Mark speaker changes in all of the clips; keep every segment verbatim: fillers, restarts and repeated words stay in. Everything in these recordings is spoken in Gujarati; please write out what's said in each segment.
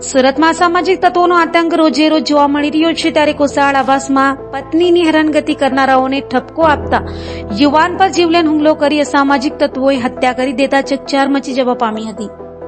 Speaker 1: સુરતમાં અસામાજિક તત્વોનો આતંક રોજે રોજ જોવા મળી રહ્યો છે, ત્યારે કોસાળ આવાસમાં પત્નીની હેરાનગતિ કરનારાઓને ઠપકો આપતા યુવાન પર જીવલેણ હુમલો કરી અસામાજિક તત્વોએ હત્યા કરી દેતા ચકચાર મચી જવા પામી હતી.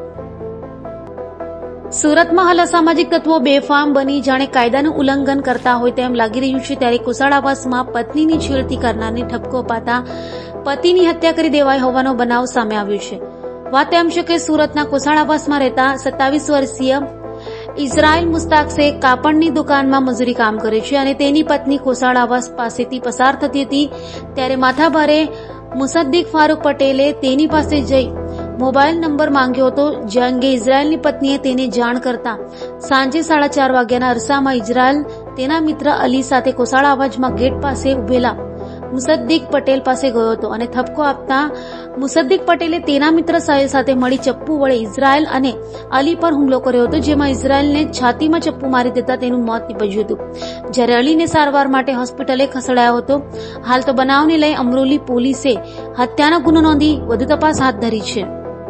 Speaker 1: સુરતમાં હાલ અસામાજિક તત્વો બેફામ બની જાણે કાયદાનું ઉલ્લંઘન કરતા હોય તેમ લાગી રહ્યું છે, ત્યારે કોસાળ આવાસમાં પત્નીની છેડતી કરનારને ઠપકો અપાતા પતિની હત્યા કરી દેવાઈ હોવાનો બનાવ સામે આવ્યો છે. વાત એમ છે કે સુરતના કોસાળ આવાસમાં રહેતા સત્તાવીસ વર્ષીય ઇઝરાયલ મુસ્તાક શેખ કાપડની દુકાનમાં મજૂરી કામ કરે છે અને તેની પત્ની કોસાળ આવાસ પાસેથી પસાર થતી હતી, ત્યારે માથાભારે મુસદ્દીક ફારૂક પટેલે તેની પાસે જઈ મોબાઈલ નંબર માંગ્યો હતો, જે અંગે ઇઝરાયલની પત્નીએ તેને જાણ કરતા સાંજે સાડા ચાર વાગ્યાના અરસામાં ઇઝરાયલ તેના મિત્ર અલી સાથે કોસાળ આવાસમાં ગેટ પાસે ઉભેલા મુસદ્દીક પટેલ પાસે ગયો હતો અને ઠપકો આપતા મુસદ્દીક પટેલે તેના મિત્ર સાહેલ સાથે મળી ચપ્પુ વડે ઇઝરાયલ અને અલી પર હુમલો કર્યો હતો, જેમાં ઇઝરાયલને છાતીમાં ચપ્પુ મારી દેતા તેનું મોત નીપજ્યું હતું, જ્યારે અલીને સારવાર માટે હોસ્પિટલે ખસેડાયો હતો. હાલ તો બનાવને લઈ અમરોલી પોલીસે હત્યાનો ગુનો નોંધી વધુ તપાસ હાથ ધરી છે.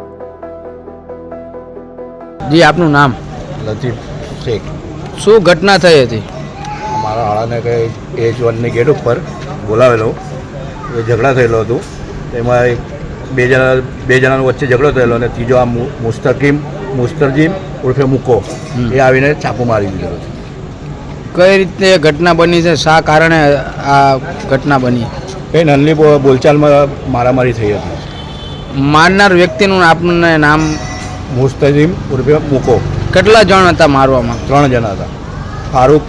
Speaker 2: જી, આપનું નામ?
Speaker 3: લતીફ શેખ.
Speaker 2: શું ઘટના થઈ હતી?
Speaker 3: અમારા હાળાને કંઈ એચ વનની ગેટ ઉપર બોલાવેલો, એ ઝઘડા થયેલો હતો. તેમાં એક બે જણા બે જણાનો વચ્ચે ઝઘડો થયેલો અને ત્રીજો આ મુસ્તકીમ મુસ્તરજીમ ઉર્ફે મૂકો એ આવીને ચાકુ મારી દીધેલો છે.
Speaker 2: કઈ રીતે ઘટના બની છે? શા કારણે આ ઘટના બની?
Speaker 3: કંઈ નાની બોલચાલમાં મારામારી થઈ હતી.
Speaker 2: મારનાર વ્યક્તિનું આપને નામ?
Speaker 3: મુસ્તજીમ ઉર્ફે મૂકો.
Speaker 2: કેટલા જણ હતા મારવામાં?
Speaker 3: ત્રણ જણા હતા. ફારૂક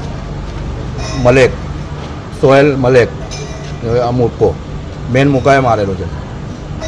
Speaker 3: મલેક, સોહેલ મલેક, આ મૂકો મેન મૂકાએ મારેલો છે.